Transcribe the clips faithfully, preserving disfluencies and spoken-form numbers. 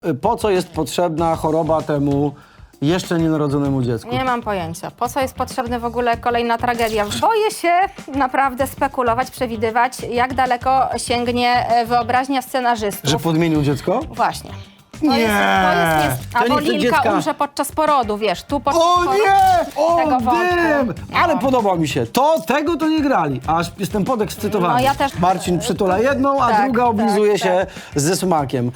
Po co jest potrzebna choroba temu jeszcze nienarodzonemu dziecku? Nie mam pojęcia. Po co jest potrzebna w ogóle kolejna tragedia? Boję się naprawdę spekulować, przewidywać, jak daleko sięgnie wyobraźnia scenarzystów. Że podmienił dziecko? Właśnie. To Nie! jest, to jest, jest. To Albo nie chce Lilka dziecka. umrze podczas porodu, wiesz, tu podczas O porodu nie! O tego wątku. dym! Ale No. podoba mi się. To, tego to nie grali. Aż jestem podekscytowany. No, ja też- Marcin przytula jedną, a Tak, druga oblizuje tak, się ze smakiem.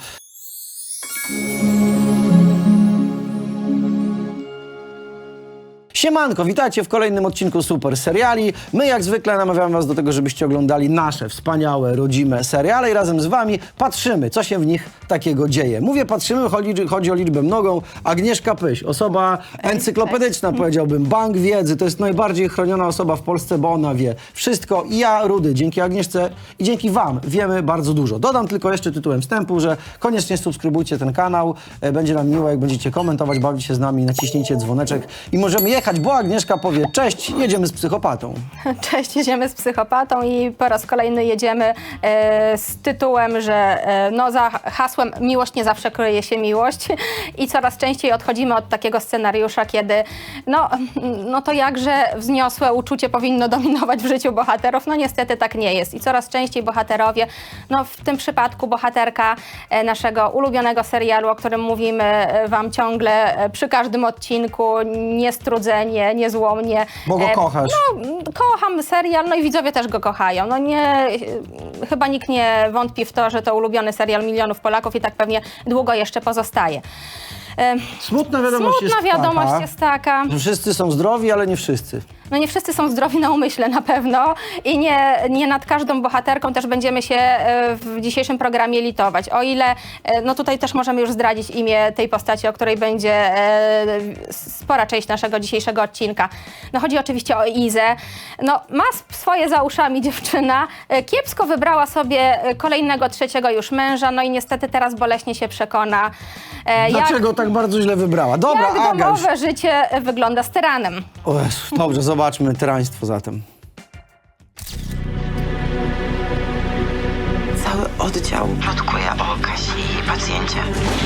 Siemanko, witajcie w kolejnym odcinku Super Seriali. My jak zwykle namawiamy was do tego, żebyście oglądali nasze wspaniałe, rodzime seriale i razem z wami patrzymy, co się w nich takiego dzieje. Mówię patrzymy, chodzi, chodzi o liczbę mnogą. Agnieszka Pyś, osoba encyklopedyczna, powiedziałbym, bank wiedzy. To jest najbardziej chroniona osoba w Polsce, bo ona wie wszystko. I ja, Rudy, dzięki Agnieszce i dzięki wam wiemy bardzo dużo. Dodam tylko jeszcze tytułem wstępu, że koniecznie subskrybujcie ten kanał. E, Będzie nam miło, jak będziecie komentować, bawić się z nami, naciśnijcie dzwoneczek i możemy jechać, bo Agnieszka powie: cześć, jedziemy z psychopatą. Cześć, jedziemy z psychopatą i po raz kolejny jedziemy e, z tytułem, że e, no za hasłem miłość nie zawsze kryje się miłość i coraz częściej odchodzimy od takiego scenariusza, kiedy no, no to jakże wzniosłe uczucie powinno dominować w życiu bohaterów. No niestety tak nie jest i coraz częściej bohaterowie, no w tym przypadku bohaterka e, naszego ulubionego serialu, o którym mówimy e, wam ciągle e, przy każdym odcinku, niestrudzenie, niezłomnie. Bo go E, kochasz. No, kocham serial, no i widzowie też go kochają. No nie, chyba nikt nie wątpi w to, że to ulubiony serial milionów Polaków i tak pewnie długo jeszcze pozostaje. E, Smutna wiadomość Smutna jest wiadomość taka, jest taka. że wszyscy są zdrowi, ale nie wszyscy. No nie wszyscy są zdrowi na umyśle na pewno i nie, nie nad każdą bohaterką też będziemy się e, w dzisiejszym programie litować. O ile, e, no tutaj też możemy już zdradzić imię tej postaci, o której będzie e, spora część naszego dzisiejszego odcinka. No chodzi oczywiście o Izę. No ma swoje za uszami dziewczyna, e, kiepsko wybrała sobie kolejnego, trzeciego już męża, no i niestety teraz boleśnie się przekona. E, Dlaczego tak bardzo źle wybrała? Dobra, jak, jak Aga, już... domowe życie wygląda z tyranem. O Jezu, dobrze, zobaczmy tyraństwo zatem. Cały oddział plotkuje o Kasi i pacjencie.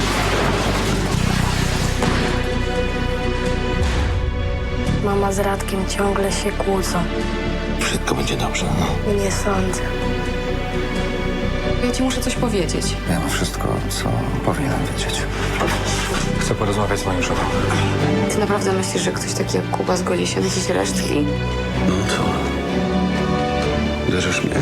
Mama z Radkiem ciągle się kłócą. Wszystko będzie dobrze. Nie sądzę. Ja ci muszę coś powiedzieć. Wiem wszystko, co powinienem wiedzieć. Chcę porozmawiać z moim szefem. Ty naprawdę myślisz, że ktoś taki jak Kuba zgodzi się na jakieś resztki? No co? Uderzysz mnie?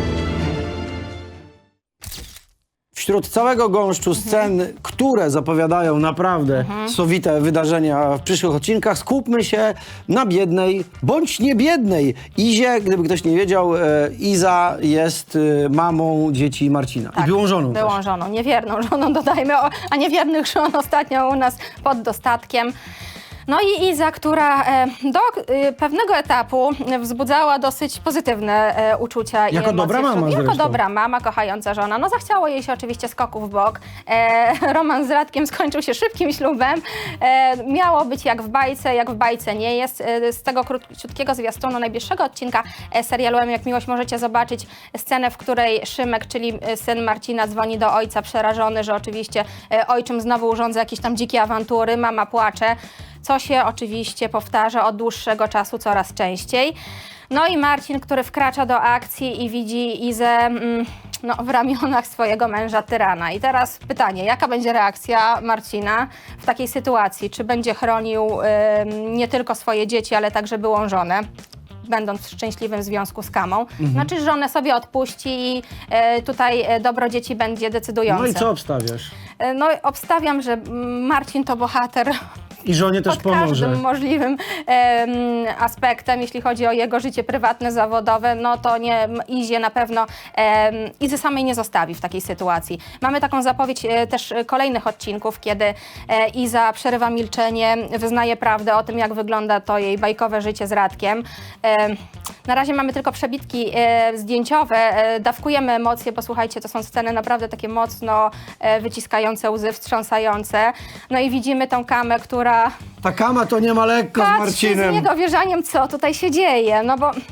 Wśród całego gąszczu scen, które zapowiadają naprawdę sowite wydarzenia w przyszłych odcinkach, skupmy się na biednej, bądź nie biednej Izie. Gdyby ktoś nie wiedział, e, Iza jest e, mamą dzieci Marcina. I byłą żoną też. Byłą żoną, niewierną żoną, dodajmy, o, a niewiernych żon ostatnio u nas pod dostatkiem. No i Iza, która e, do e, pewnego etapu wzbudzała dosyć pozytywne e, uczucia i Jako emocje. dobra mama Jako zresztą. dobra mama, kochająca żona. No zachciało jej się oczywiście skoków w bok. E, romans z Radkiem skończył się szybkim ślubem. E, miało być jak w bajce, jak w bajce nie jest. E, z tego krótkiego zwiastunu najbliższego odcinka e, serialu M jak miłość możecie zobaczyć scenę, w której Szymek, czyli e, syn Marcina, dzwoni do ojca przerażony, że oczywiście e, ojczym znowu urządza jakieś tam dzikie awantury, mama płacze, co się oczywiście powtarza od dłuższego czasu coraz częściej. No i Marcin, który wkracza do akcji i widzi Izę mm, no, w ramionach swojego męża tyrana. I teraz pytanie, jaka będzie reakcja Marcina w takiej sytuacji? Czy będzie chronił ym, nie tylko swoje dzieci, ale także byłą żonę, będąc w szczęśliwym związku z Kamą? Mhm. Znaczy żonę sobie odpuści i y, tutaj y, dobro dzieci będzie decydujące. No i co obstawiasz? Y, No obstawiam, że mm, Marcin to bohater I żonie też pod pomoże. każdym możliwym em, aspektem, jeśli chodzi o jego życie prywatne, zawodowe, no to nie Izie na pewno em, Izy samej nie zostawi w takiej sytuacji. Mamy taką zapowiedź e, też kolejnych odcinków, kiedy e, Iza przerywa milczenie, wyznaje prawdę o tym, jak wygląda to jej bajkowe życie z Radkiem. Em, na razie mamy tylko przebitki e, zdjęciowe, e, dawkujemy emocje, posłuchajcie, to są sceny naprawdę takie mocno e, wyciskające łzy, wstrząsające. No i widzimy tą Kamę, która Ta Kama to nie ma lekko z patrzy z Marcinem. niedowierzaniem, co tutaj się dzieje, no bo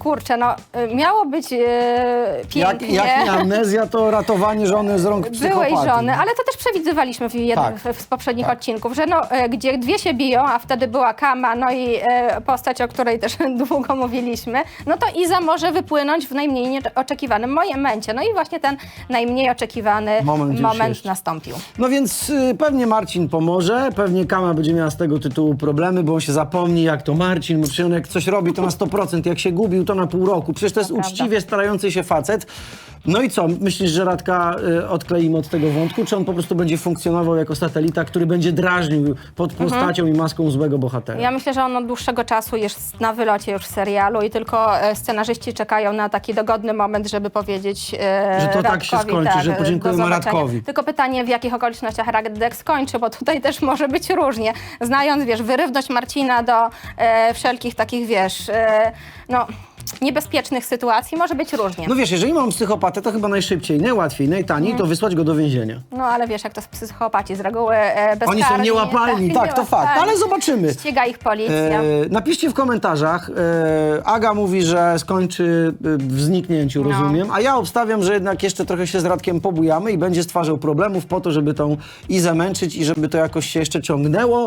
kurczę, no y, miało być y, Jak, pięknie. jak nie amnezja, to ratowanie żony z rąk psychopaty. Byłej żony, ale to też przewidywaliśmy w jednym Tak. w, z poprzednich odcinków, że no, e, gdzie dwie się biją, a wtedy była Kama, no i e, postać, o której też długo mówiliśmy, no to Iza może wypłynąć w najmniej nieoczekiwanym momencie. No i właśnie ten najmniej oczekiwany Moment moment, już jest. nastąpił. No więc y, pewnie Marcin pomoże, pewnie Kama będzie miała z tego tytułu problemy, bo on się zapomni, jak to Marcin, bo przecież on jak coś robi, to na sto procent, jak się gubił, to na pół roku. Przecież to jest prawda. uczciwie starający się facet. No i co, myślisz, że Radka y, odkleimy od tego wątku, czy on po prostu będzie funkcjonował jako satelita, który będzie drażnił pod postacią i maską złego bohatera? Ja myślę, że on od dłuższego czasu jest na wylocie już w serialu i tylko e, scenarzyści czekają na taki dogodny moment, żeby powiedzieć e, Że to tak się Radkowi, skończy, że podziękujemy do zobaczenia. Radkowi. Tylko pytanie, w jakich okolicznościach Radek skończy, bo tutaj też może być różnie. Znając, wiesz, wyrywność Marcina do e, wszelkich takich, wiesz, e, no, niebezpiecznych sytuacji, może być różnie. No wiesz, jeżeli mam psychopatę, to chyba najszybciej, najłatwiej, najtaniej, to wysłać go do więzienia. No ale wiesz, jak to z psychopaci z reguły e, bezkarni. Oni są niełapalni, tak, to fakt, niełapalni. ale zobaczymy. Ściga ich policja. E, napiszcie w komentarzach. E, Aga mówi, że skończy e, w zniknięciu, No. rozumiem, a ja obstawiam, że jednak jeszcze trochę się z Radkiem pobujamy i będzie stwarzał problemów po to, żeby tą Izę męczyć i żeby to jakoś się jeszcze ciągnęło.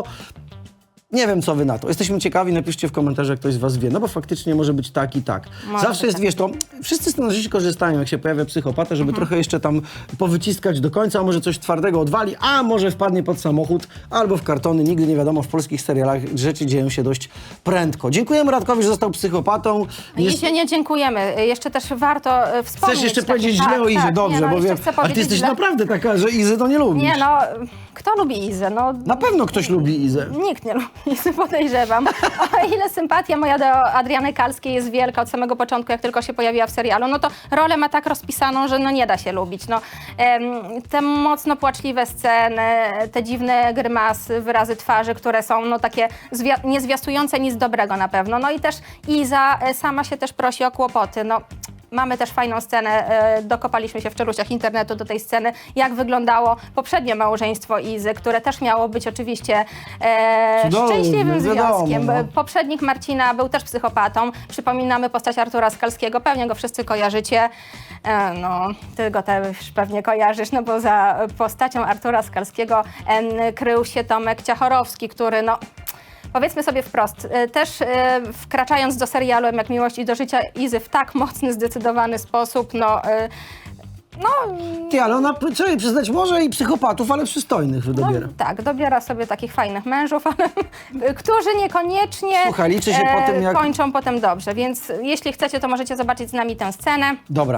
Nie wiem, co wy na to. Jesteśmy ciekawi, napiszcie w komentarzach, jak ktoś z was wie, no bo faktycznie może być tak i tak. Może Zawsze być jest, tak. wiesz, to wszyscy scenarzyści korzystają, jak się pojawia psychopata, żeby trochę jeszcze tam powyciskać do końca, a może coś twardego odwali, a może wpadnie pod samochód albo w kartony. Nigdy nie wiadomo, w polskich serialach rzeczy dzieją się dość prędko. Dziękujemy Radkowi, że został psychopatą. I Jest- się nie dziękujemy. Jeszcze też warto e, wspomnieć... Chcesz jeszcze taki- powiedzieć tak, źle o Izie, tak, dobrze, nie, no, bo jeszcze wiem, chcę ale ty powiedzieć jesteś źle. naprawdę taka, że Izy to nie lubisz. Nie no, kto lubi Izę? No, Na pewno ktoś lubi Izę. nikt nie lubi Izy, podejrzewam. O ile sympatia moja do Adriany Kalskiej jest wielka od samego początku, jak tylko się pojawiła w serialu, no to rolę ma tak rozpisaną, że no nie da się lubić. No, em, te mocno płaczliwe sceny, te dziwne grymasy, wyrazy twarzy, które są no takie zwia- nie zwiastujące nic dobrego na pewno. No i też Iza e, sama się też prosi o kłopoty. No, mamy też fajną scenę, e, dokopaliśmy się w czeluściach internetu do tej sceny, jak wyglądało poprzednie małżeństwo Izy, które też miało być oczywiście e, Cudowne, szczęśliwym wiadomo, związkiem. no. Poprzednik Marcina był też psychopatą. Przypominamy postać Artura Skalskiego, pewnie go wszyscy kojarzycie. E, no, ty go też pewnie kojarzysz, no bo za postacią Artura Skalskiego em, krył się Tomek Ciachorowski, który no... Powiedzmy sobie wprost, e, też e, wkraczając do serialu Jak miłość i do życia Izy w tak mocny, zdecydowany sposób, no, e, no, Ty, ale ona, trzeba przyznać, może i psychopatów, ale przystojnych no wydobiera. tak, dobiera sobie takich fajnych mężów, ale którzy niekoniecznie Słuchaj, liczy się po tym, jak- kończą potem dobrze, więc jeśli chcecie, to możecie zobaczyć z nami tę scenę. Dobra.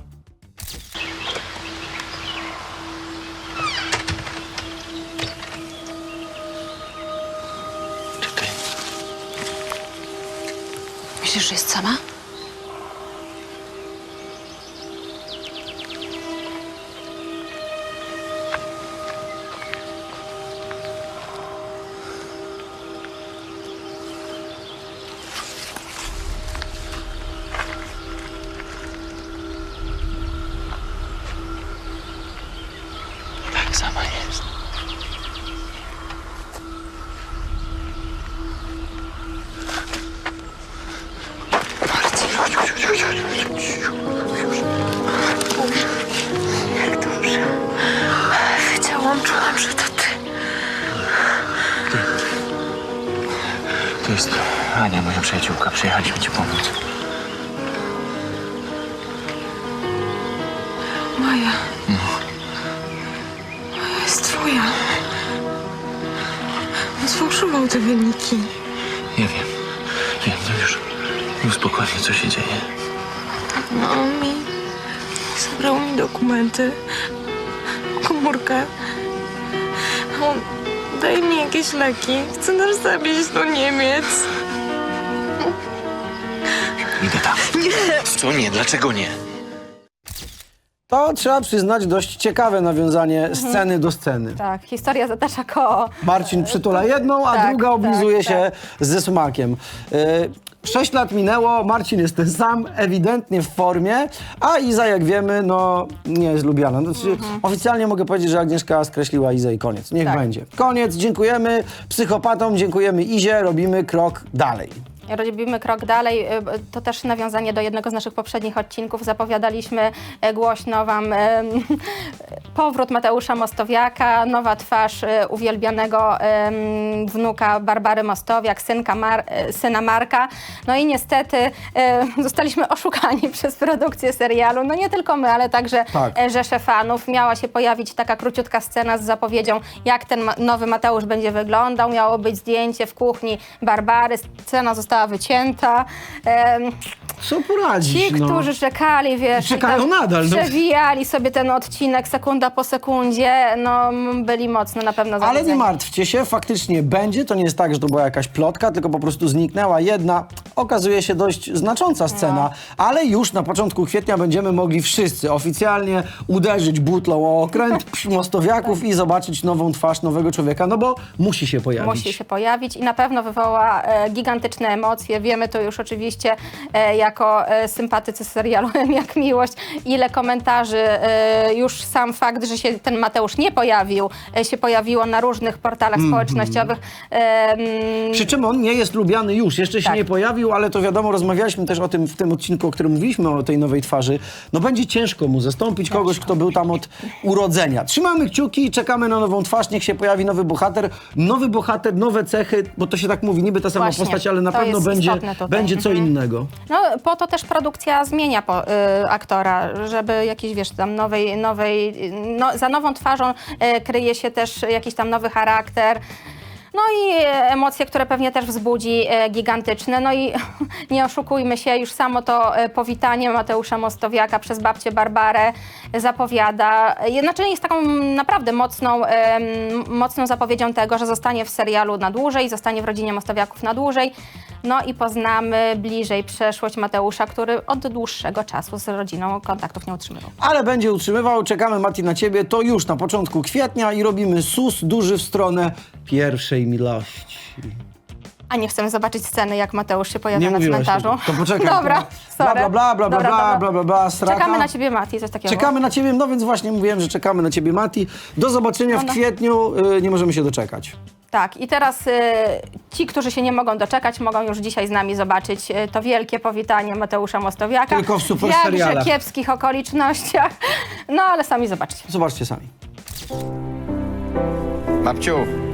Czekaj. Myślisz, że jest sama? Tak, sama jest. Marcin, chodź, chodź, chodź, chodź, chodź, już. Boże, jak dobrze. Wiedziałam, czułam, że to ty. To jest Ania, moja przyjaciółka. Przyjechaliśmy ci pomóc. Maja. Maja jest twoja. On sfałszował te wyniki. Ja wiem. Wiem, no już. Już spokojnie, co się dzieje. No, on mi zabrał mi dokumenty, komórkę. On daje mi jakieś leki. Chce nas zawieźć do Niemiec. Idę tam. Nie! Co nie? Dlaczego nie? To trzeba przyznać dość ciekawe nawiązanie sceny do sceny. Tak, historia zatacza koło. Marcin przytula jedną, a Tak, druga oblizuje tak, się ze smakiem. Y, Sześć lat minęło, Marcin jest ten sam, ewidentnie w formie, a Iza, jak wiemy, no nie jest lubiana. Znaczy, oficjalnie mogę powiedzieć, że Agnieszka skreśliła Izę i koniec. Niech Tak. będzie. Koniec, dziękujemy psychopatom, dziękujemy Izie, robimy krok dalej. robimy krok dalej. Y, To też nawiązanie do jednego z naszych poprzednich odcinków. Zapowiadaliśmy y, głośno wam y, powrót Mateusza Mostowiaka, nowa twarz y, uwielbianego y, wnuka Barbary Mostowiak, synka Mar y, syna Marka. No i niestety y, zostaliśmy oszukani przez produkcję serialu. No nie tylko my, ale także Tak. y, rzesze fanów. Miała się pojawić taka króciutka scena z zapowiedzią, jak ten ma nowy Mateusz będzie wyglądał. Miało być zdjęcie w kuchni Barbary. Scena została wycięta. Em, Co poradzić, Ci, no? którzy czekali, wiesz, i Czekają tam nadal, no. przewijali sobie ten odcinek sekunda po sekundzie, no m, byli mocno na pewno Ale nie zawiedzeni. martwcie się, faktycznie będzie. To nie jest tak, że to była jakaś plotka, tylko po prostu zniknęła jedna, okazuje się dość znacząca scena, No. ale już na początku kwietnia będziemy mogli wszyscy oficjalnie uderzyć butlą o okręt przy Mostowiaków i zobaczyć nową twarz nowego człowieka, no bo musi się pojawić. Musi się pojawić i na pewno wywoła e, gigantyczne emocje. Wiemy to już oczywiście e, jako e, sympatycy serialu Jak Miłość, ile komentarzy, e, już sam fakt, że się ten Mateusz nie pojawił, e, się pojawiło na różnych portalach Mhm. społecznościowych. E, mm, Przy czym on nie jest lubiany już, jeszcze się Tak. nie pojawił, ale to wiadomo, rozmawialiśmy też o tym w tym odcinku, o którym mówiliśmy, o tej nowej twarzy. No będzie ciężko mu zastąpić kogoś, kto był tam od urodzenia. Trzymamy kciuki i czekamy na nową twarz, niech się pojawi nowy bohater. Nowy bohater, nowe cechy, bo to się tak mówi, niby ta sama Właśnie, postać, ale na to pewno jest będzie, istotne tutaj. będzie co Mhm. innego. No, po to też produkcja zmienia po, y, aktora, żeby jakiś, wiesz, tam nowej, nowej no, za nową twarzą y, kryje się też jakiś tam nowy charakter. No i emocje, które pewnie też wzbudzi e, gigantyczne. No i nie oszukujmy się, już samo to e, powitanie Mateusza Mostowiaka przez babcię Barbarę zapowiada. e, Znaczy jest taką naprawdę mocną, e, m, mocną zapowiedzią tego, że zostanie w serialu na dłużej, zostanie w rodzinie Mostowiaków na dłużej. No i poznamy bliżej przeszłość Mateusza, który od dłuższego czasu z rodziną kontaktów nie utrzymywał. Ale będzie utrzymywał, czekamy Mati na ciebie, to już na początku kwietnia i robimy sus duży w stronę pierwszej miłości. A nie chcemy zobaczyć sceny, jak Mateusz się pojawia Nie na mówiłaś cmentarzu. tego. To poczekaj. Dobra, Bla, sorry. bla, bla, bla, bla, Dobra, bla, dobra. bla, bla, bla, straka. Czekamy na ciebie, Mati, coś takiego. Czekamy na ciebie, no więc właśnie mówiłem, że czekamy na ciebie, Mati. Do zobaczenia w No, no. kwietniu, y, nie możemy się doczekać. Tak, i teraz y, ci, którzy się nie mogą doczekać, mogą już dzisiaj z nami zobaczyć y, to wielkie powitanie Mateusza Mostowiaka. Tylko w super W serialach. jakże kiepskich okolicznościach. No, ale sami zobaczcie. Zobaczcie sami. Babciu,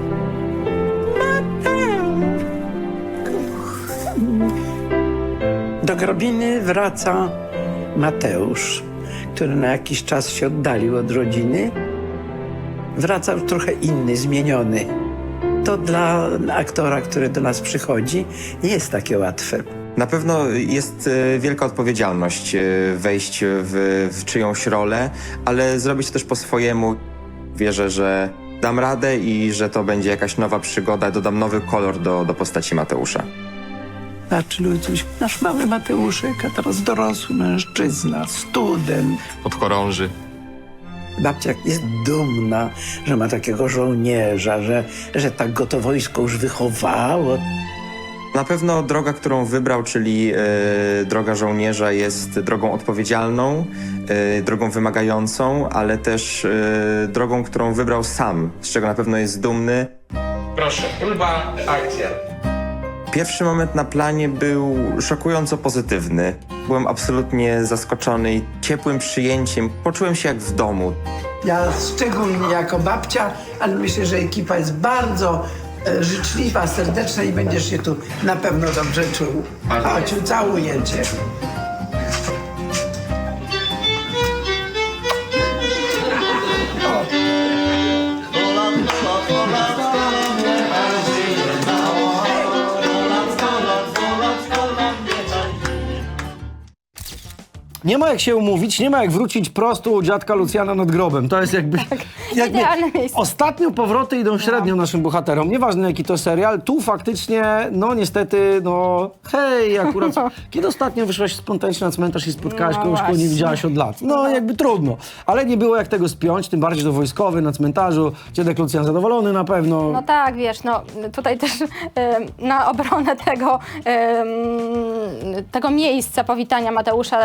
Do Grobiny wraca Mateusz, który na jakiś czas się oddalił od rodziny. Wraca już trochę inny, zmieniony. To dla aktora, który do nas przychodzi, nie jest takie łatwe. Na pewno jest e, wielka odpowiedzialność e, wejść w, w czyjąś rolę, ale zrobić to też po swojemu. Wierzę, że dam radę i że to będzie jakaś nowa przygoda, dodam nowy kolor do, do postaci Mateusza. Znaczy ludziuś, nasz mały Mateuszek, a teraz dorosły mężczyzna, student. Podchorąży. Babcia jest dumna, że ma takiego żołnierza, że, że tak go to wojsko już wychowało. Na pewno droga, którą wybrał, czyli e, droga żołnierza, jest drogą odpowiedzialną, e, drogą wymagającą, ale też e, drogą, którą wybrał sam, z czego na pewno jest dumny. Proszę, próba, akcja. Pierwszy moment na planie był szokująco pozytywny. Byłem absolutnie zaskoczony i ciepłym przyjęciem. Poczułem się jak w domu. Ja szczególnie jako babcia, ale myślę, że ekipa jest bardzo e, życzliwa, serdeczna i będziesz się tu na pewno dobrze czuł. Chodź, całuję cię. Nie ma jak się umówić, nie ma jak wrócić prosto u dziadka Lucjana nad grobem. To jest jakby... jakby idealne miejsce. Ostatnio powroty idą średnio naszym bohaterom. Nieważne jaki to serial, tu faktycznie, no niestety, no hej, akurat... Kiedy ostatnio wyszłaś spontanicznie na cmentarz i spotkałaś No kogoś, kogo nie właśnie. widziałaś od lat? No jakby trudno. Ale nie było jak tego spiąć, tym bardziej, że to wojskowy na cmentarzu. Dziadek Lucjan zadowolony na pewno. No tak, wiesz, no tutaj też em, na obronę tego, em, tego miejsca powitania Mateusza dam to,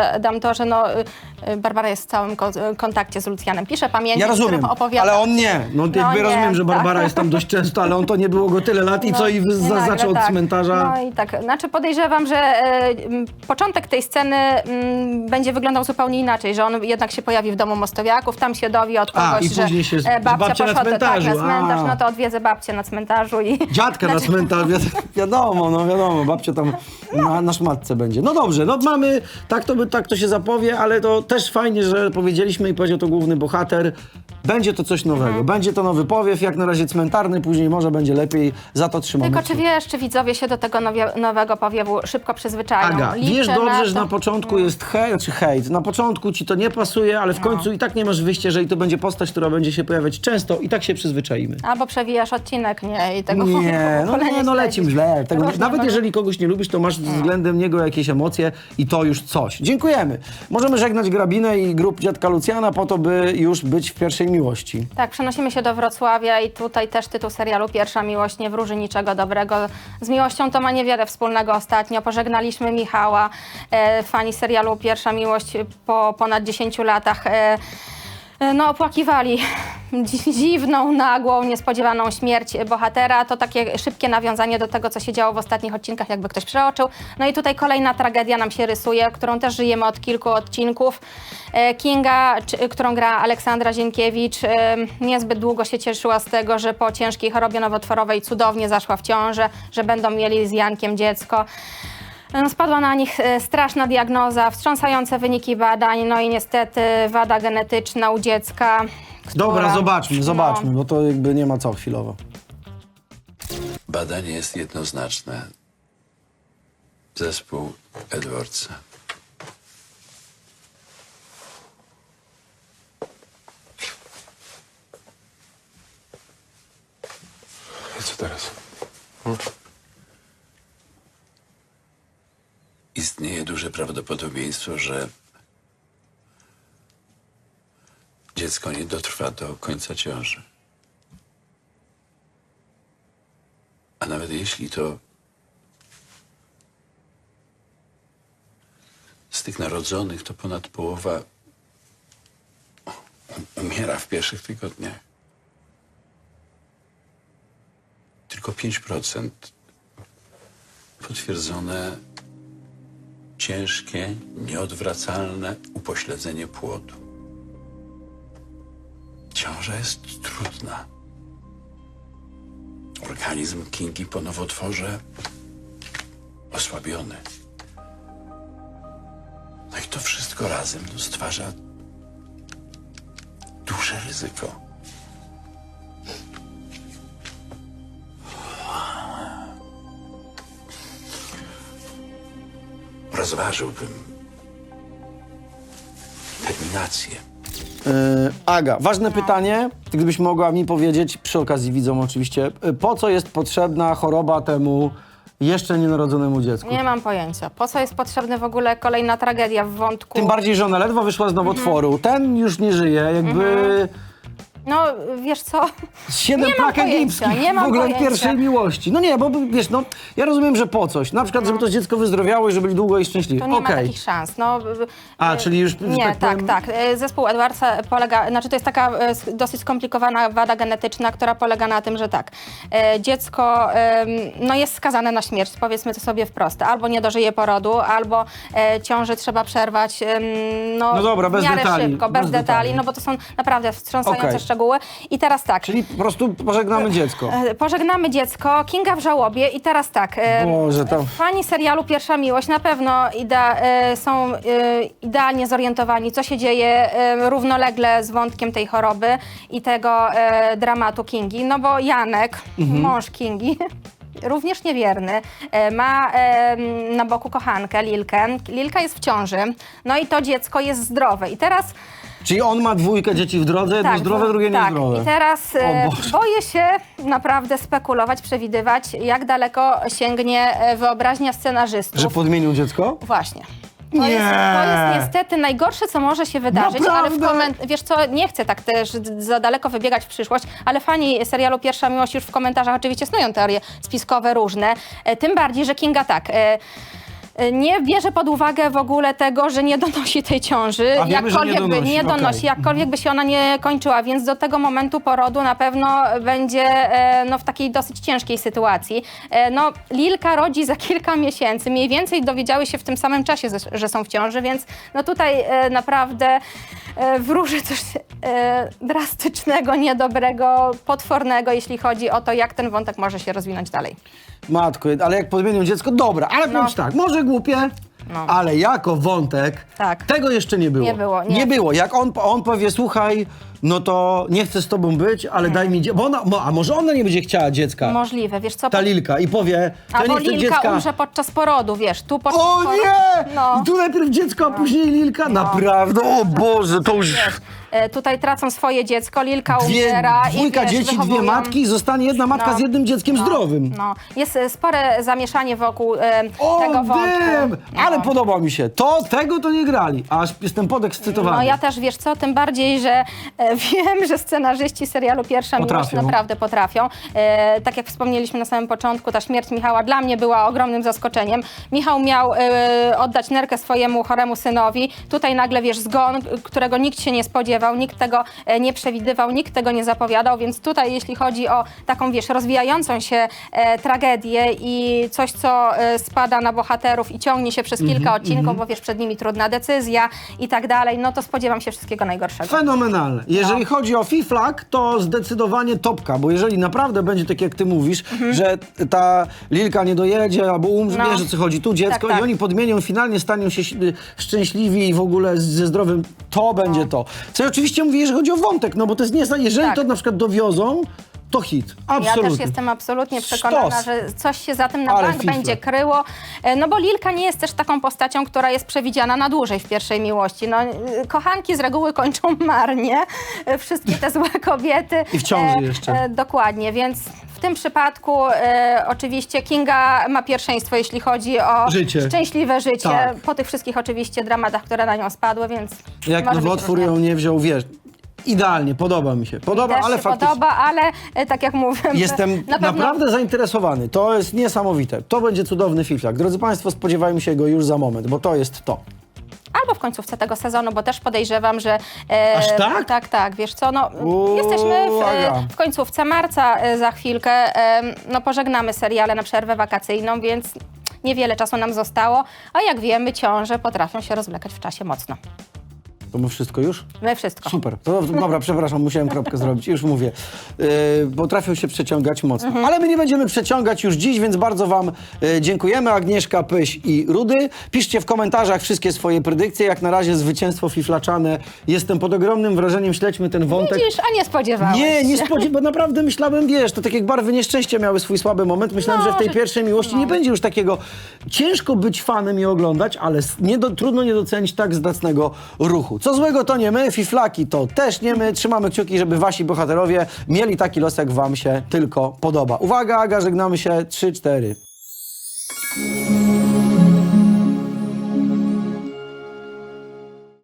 to, że no, y, y, Barbara jest w całym ko kontakcie z Lucjanem. Pisze pamięci, Ja w rozumiem, których opowiada. ale on nie. No, No jakby nie, rozumiem, że Barbara tak. jest tam dość często, ale on to nie było go tyle lat i No, co, i i za, nagle zaczął od tak. cmentarza. No i tak, znaczy podejrzewam, że e, m, początek tej sceny m, będzie wyglądał zupełnie inaczej, że on jednak się pojawi w domu Mostowiaków, tam się dowie od A, kogoś, i że później się z- e, babcia babcia na poszła do- tak, cmentarzu. na cmentarz, A. no to odwiedzę babcię na cmentarzu i... Dziadka na cmentarz, wi- wiadomo, no wiadomo, babcia tam na, na szmatce będzie. No dobrze, no mamy, tak to, by, tak to się zapowie, ale to też fajnie, że powiedzieliśmy i powiedział to główny bohater. Będzie to coś nowego, Mhm. będzie to nowy powiew, jak na razie cmentarny, później może będzie lepiej, za to trzymamy Tylko czy kciuki. wiesz, czy widzowie się do tego nowie- nowego powiewu szybko przyzwyczają? Aga, Liczę wiesz dobrze, że to. na początku jest hejt, czy hejt, na początku ci to nie pasuje, ale w końcu i tak nie masz wyjścia, jeżeli to będzie postać, która będzie się pojawiać często i tak się przyzwyczaimy. Albo przewijasz odcinek, nie? I tego Nie, no nie, no lecim źle. Tego, Różnie nawet może- jeżeli kogoś nie lubisz, to masz względem niego jakieś emocje i to już coś. Dziękujemy. Możemy żegnać Grabinę i grup Dziadka Lucjana po to, by już być w pierwszej miłości. Tak, przenosimy się do Wrocławia i tutaj też tytuł serialu Pierwsza miłość nie wróży niczego dobrego. Z miłością to ma niewiele wspólnego ostatnio. Pożegnaliśmy Michała, e, fani serialu Pierwsza miłość po ponad dziesięciu latach. E, No, opłakiwali dzi- dziwną, nagłą, niespodziewaną śmierć bohatera. To takie szybkie nawiązanie do tego, co się działo w ostatnich odcinkach, jakby ktoś przeoczył. No i tutaj kolejna tragedia nam się rysuje, którą też żyjemy od kilku odcinków. E, Kinga, czy, którą gra Aleksandra Zienkiewicz, e, niezbyt długo się cieszyła z tego, że po ciężkiej chorobie nowotworowej cudownie zaszła w ciążę, że będą mieli z Jankiem dziecko. No, spadła na nich e, straszna diagnoza, wstrząsające wyniki badań, no i niestety wada genetyczna u dziecka. Dobra, która- zobaczmy, zobaczmy, No. bo to jakby nie ma co chwilowo. Badanie jest jednoznaczne. Zespół Edwardsa. I co teraz? Istnieje duże prawdopodobieństwo, że dziecko nie dotrwa do końca ciąży. A nawet jeśli to z tych narodzonych, to ponad połowa umiera w pierwszych tygodniach. Tylko pięć procent potwierdzone ciężkie, nieodwracalne upośledzenie płodu. Ciąża jest trudna. Organizm Kingi po nowotworze osłabiony. No i to wszystko razem no, stwarza duże ryzyko. Rozważyłbym terminację. Yy, Aga, ważne pytanie, gdybyś mogła mi powiedzieć, przy okazji widzom oczywiście, yy, po co jest potrzebna choroba temu jeszcze nienarodzonemu dziecku? Nie mam pojęcia. Po co jest potrzebna w ogóle kolejna tragedia w wątku? Tym bardziej, że ona ledwo wyszła z nowotworu. Ten już nie żyje, jakby No, wiesz co? siedem Nie mam plak pojęcia, egipskich nie mam w ogóle pojęcia. pierwszej miłości. No nie, bo wiesz, no ja rozumiem, że po coś. Na przykład, żeby to dziecko wyzdrowiało i żeby byli długo i szczęśliwi. To nie ma Okej. takich szans. No, A, y, czyli już, że Nie, tak tak, powiem- tak. Y, Zespół Edwardsa polega, znaczy to jest taka y, s- dosyć skomplikowana wada genetyczna, która polega na tym, że tak, y, dziecko y, no jest skazane na śmierć, powiedzmy to sobie wprost. Albo nie dożyje porodu, albo y, ciąży trzeba przerwać y, no, No dobra, bez w miarę detali, szybko, bez, bez detali, detali. no bo to są naprawdę wstrząsające Okej. szczegóły. I teraz tak. Czyli po prostu pożegnamy dziecko. E, Pożegnamy dziecko, Kinga w żałobie i teraz tak. e, Boże, to- Fani serialu Pierwsza miłość na pewno idea, e, są e, idealnie zorientowani, co się dzieje e, równolegle z wątkiem tej choroby i tego e, dramatu Kingi. No bo Janek, mąż Kingi, również niewierny, e, ma e, na boku kochankę Lilkę. Lilka jest w ciąży, no i to dziecko jest zdrowe. I teraz Czyli on ma dwójkę dzieci w drodze, jedno zdrowe, drugie tak. niezdrowe. I teraz e, O Boże. boję się naprawdę spekulować, przewidywać, jak daleko sięgnie e, wyobraźnia scenarzystów. Że podmienił dziecko? Właśnie. To, Nie. jest, to jest niestety najgorsze, co może się wydarzyć, ale w Naprawdę? koment- wiesz co, nie chcę tak też za daleko wybiegać w przyszłość, ale fani serialu Pierwsza miłość już w komentarzach oczywiście snują teorie spiskowe różne, e, tym bardziej, że Kinga tak... E, nie bierze pod uwagę w ogóle tego, że nie donosi tej ciąży. A wiemy, że nie Jakkolwiek by donosi, nie donosi, okej. jakkolwiek by się ona nie kończyła, więc do tego momentu porodu na pewno będzie e, no, w takiej dosyć ciężkiej sytuacji. E, no, Lilka rodzi za kilka miesięcy, mniej więcej dowiedziały się w tym samym czasie, że są w ciąży, więc no tutaj e, naprawdę e, wróży coś e, drastycznego, niedobrego, potwornego, jeśli chodzi o to, jak ten wątek może się rozwinąć dalej. Matko, ale jak podmienią dziecko, dobra, ale No. powiem ci tak, może głupie, No. ale jako wątek, Tak. tego jeszcze nie było. Nie było, nie. Nie było. Jak on, on powie, słuchaj, no to nie chcę z tobą być, ale daj mi dziecko, bo ona, mo- a może ona nie będzie chciała dziecka, Możliwe, wiesz co? ta Lilka, i powie, to Albo nie chcę Lilka dziecka. umrze podczas porodu, wiesz, tu podczas O porodu. nie! No. I tu najpierw dziecko, a później Lilka? Naprawdę, o Boże, to już... E, Tutaj tracą swoje dziecko, Lilka Dwie, umiera. dwójka i, wiesz, dzieci, dwie wychowują- matki i zostanie jedna matka No. z jednym dzieckiem No, zdrowym. No. Jest e, spore zamieszanie wokół e, O, tego wątku. wiem! Ale No. podoba mi się. To, tego to nie grali. Aż jestem podekscytowany. No ja też, wiesz co, tym bardziej, że e, wiem, że scenarzyści serialu Pierwsza Miłość Potrafią. naprawdę potrafią. E, tak jak wspomnieliśmy na samym początku, ta śmierć Michała dla mnie była ogromnym zaskoczeniem. Michał miał e, oddać nerkę swojemu choremu synowi. Tutaj nagle, wiesz, zgon, którego nikt się nie spodziewał, nikt tego e, nie przewidywał, nikt tego nie zapowiadał, więc tutaj jeśli chodzi o taką, wiesz, rozwijającą się e, tragedię i coś, co e, spada na bohaterów i ciągnie się przez kilka odcinków, bo wiesz, przed nimi trudna decyzja i tak dalej, no to spodziewam się wszystkiego najgorszego. Fenomenalne. Jeżeli No. chodzi o Fiflak, to zdecydowanie topka, bo jeżeli naprawdę będzie tak, jak ty mówisz, że ta Lilka nie dojedzie albo umrze, Mhm. No. wiesz, o co chodzi, tu dziecko Tak, tak. i oni podmienią, finalnie staną się ś- szczęśliwi i w ogóle z- ze zdrowym, to będzie to. Co ja oczywiście mówię, jeżeli chodzi o wątek, no bo to jest nie, jeżeli Tak. to na przykład dowiozą, to hit. Absolutnie. Ja też jestem absolutnie przekonana, Sztos. że coś się za tym na Ale bank fiflak. będzie kryło. E, No bo Lilka nie jest też taką postacią, która jest przewidziana na dłużej w Pierwszej Miłości. No, e, kochanki z reguły kończą marnie. E, Wszystkie te złe kobiety. I w ciąży jeszcze. Dokładnie, więc w tym przypadku e, oczywiście Kinga ma pierwszeństwo, jeśli chodzi o Życie. szczęśliwe życie. Tak. Po tych wszystkich oczywiście dramatach, które na nią spadły, więc Jak może być nowotwór różnie. ją nie wziął, wiesz, idealnie, podoba mi się. Podoba, Też ale się faktycznie... podoba, ale e, tak jak mówię, Jestem na pewno... naprawdę zainteresowany. To jest niesamowite. To będzie cudowny Fiflak. Drodzy Państwo, spodziewajmy się go już za moment, bo to jest to. Albo w końcówce tego sezonu, bo też podejrzewam, że... E, Aż tak? Tak, tak, wiesz co, no Uuu, jesteśmy w, Aga. e, w końcówce marca e, za chwilkę, e, no pożegnamy seriale na przerwę wakacyjną, więc niewiele czasu nam zostało, a jak wiemy, ciąże potrafią się rozwlekać w czasie mocno. To my wszystko już? My wszystko. Super. To, dobra, przepraszam, musiałem kropkę zrobić. Już mówię. Yy, potrafią się przeciągać mocno. Mhm. Ale my nie będziemy przeciągać już dziś, więc bardzo Wam yy, dziękujemy. Agnieszka, Pyś i Rudy. Piszcie w komentarzach wszystkie swoje predykcje. Jak na razie zwycięstwo fiflaczane. Jestem pod ogromnym wrażeniem. Śledźmy ten wątek. Widzisz, a nie spodziewałeś Nie, nie się. spodziewałem, bo naprawdę myślałem, wiesz, to tak jak barwy nieszczęścia miały swój słaby moment. Myślałem, No, że w tej że- pierwszej miłości nie będzie już takiego. Ciężko być fanem i oglądać, ale s- nie do, trudno nie docenić tak zacnego ruchu. Co złego to nie my, fiflaki to też nie my. Trzymamy kciuki, żeby wasi bohaterowie mieli taki los, jak wam się tylko podoba. Uwaga, Aga, żegnamy się. trzy, cztery.